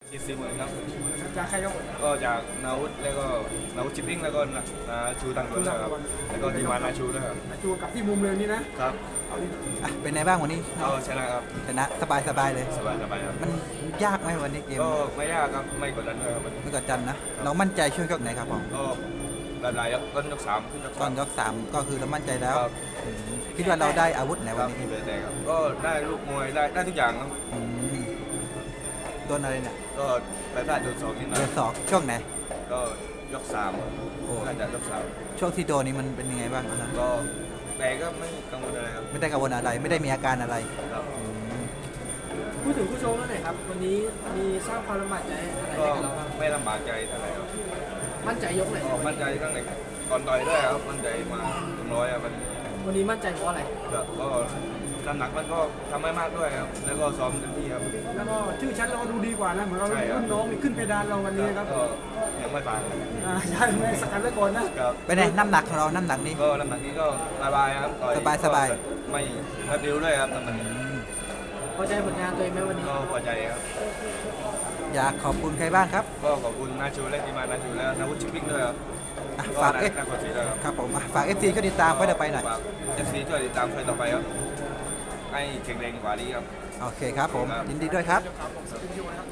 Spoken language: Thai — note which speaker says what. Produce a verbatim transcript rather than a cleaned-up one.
Speaker 1: เจ็ดสิบเหมือนครับ
Speaker 2: จากใครครับ
Speaker 1: ก็จากนาวุธแล้วก็นาวุธชิปปิ้งแล้วก็นาชูตังค์ด้วยครับแล้วก็ทีมงานนาชูด้วยครับ
Speaker 2: จูกับที่มุมเลยนี่นะครับ เอาดิ
Speaker 3: อ่ะเป็นไงบ้างวันนี้
Speaker 1: ก็ชนะครับ
Speaker 3: ชนะสบายสบายเลย
Speaker 1: สบายสบายครับ
Speaker 3: มันยากไหมวันนี้เกม
Speaker 1: ก็ไม่ยากครับไม่กดดันด้วยครับ
Speaker 3: ไม่กดดันนะ เรามั่นใจช่วงยกไหนครับผม
Speaker 1: ก็ระดับต้นยกสามขึ้นยก
Speaker 3: ต
Speaker 1: สา
Speaker 3: อน
Speaker 1: ม
Speaker 3: ยกสามก็คือเรามั่นใจแล้ว
Speaker 1: ครับ
Speaker 3: อืมคิดว่าเราได้อาวุธไหน
Speaker 1: ค
Speaker 3: วั
Speaker 1: รั
Speaker 3: น
Speaker 1: บ
Speaker 3: นี้
Speaker 1: ที่เบสแดงครับก็ได้ลูกมวยได้ได้ทุกอย่างครับ
Speaker 3: อืมโดนอะไรเนี่ย
Speaker 1: ก็ไปพลาดโดนสองนิดหน่อ
Speaker 3: โด
Speaker 1: ย
Speaker 3: นศอกช่วงไหน
Speaker 1: ก็ยกสาม
Speaker 3: โอ้
Speaker 1: น่าจะยกสาม
Speaker 3: ช่วงที่โดนนี่มันเป็นยังไงบ้างตอนนั้น
Speaker 1: ก็แต่ก็ไม่กังวลอะไรครับ
Speaker 3: ไม่ได้กังวลอะไร ไม่ได้มีอาการอะไร
Speaker 1: ครับ
Speaker 3: อืม
Speaker 2: พูดถึงผู้ชมแล้วหน่อยครับวันนี้มีสร้างความลำบากใจอะไร
Speaker 1: ก็
Speaker 2: ให้กับเราบ้าง
Speaker 1: ไม่ลำบากใจเท่าไหร่ครับ
Speaker 2: มั่นใจยกไหน
Speaker 1: ก็มั่นใจตั้งแต่ก่อนต่อยด้วยครับมั่นใจมาถึงร้อยครับมัน
Speaker 2: วันนี้มั่นใจเพราะอะไร
Speaker 1: ก็ก็น้ำหนักมันก็ทำไม่มากด้วยครับแล้วก็ซ้อมเต็มที่ครับ
Speaker 2: แล้วก็ชื่อชั้นเราก็ดูดีกว่านะเหมือนเรา
Speaker 1: ใช่ครับ
Speaker 2: รุ่นน้องนี่ขึ้นเพดานเราวันนี้ครับ
Speaker 1: ก็ยังไม่ผ่าน
Speaker 2: อ่าใช่ไม่สกัดไว้ก่อนนะ
Speaker 1: ครับ
Speaker 3: เป็นไงน้ำหนักของเราน้ำหนักนี้
Speaker 1: ก็น้ำหนักนี้ก็สบายครับต่อ
Speaker 3: สบายสบาย
Speaker 1: ก็ไม่ไม่บิ้วด้วยครับน้ำหนักนี้
Speaker 2: พอใจผลงานตัวเองไหมวันนี้
Speaker 1: ก็พอใจครับ
Speaker 3: อยากขอบคุณใครบ้างครับ
Speaker 1: ก็ขอบคุณนาชูและทีมงานนาชูและนาวุฒิชิปปิ้งด้วยครับ
Speaker 3: อ่ะ
Speaker 1: ก็
Speaker 3: ฝาก
Speaker 1: นา
Speaker 3: เอฟ
Speaker 1: นาคอนซีด้วยครับ
Speaker 3: ครับผมอ่ะฝากเอฟซีช่วยติดตามไว้เดี๋ยวไปหน่อย
Speaker 1: ฝากเอฟซีช่วยติดตามไฟต่อไปครับให้แข็งแรงกว่านี้ครับ
Speaker 3: โอเคครับผม
Speaker 1: ครับ
Speaker 3: ยินดีด้วยครับ
Speaker 2: ครับผมสวัสดีครับ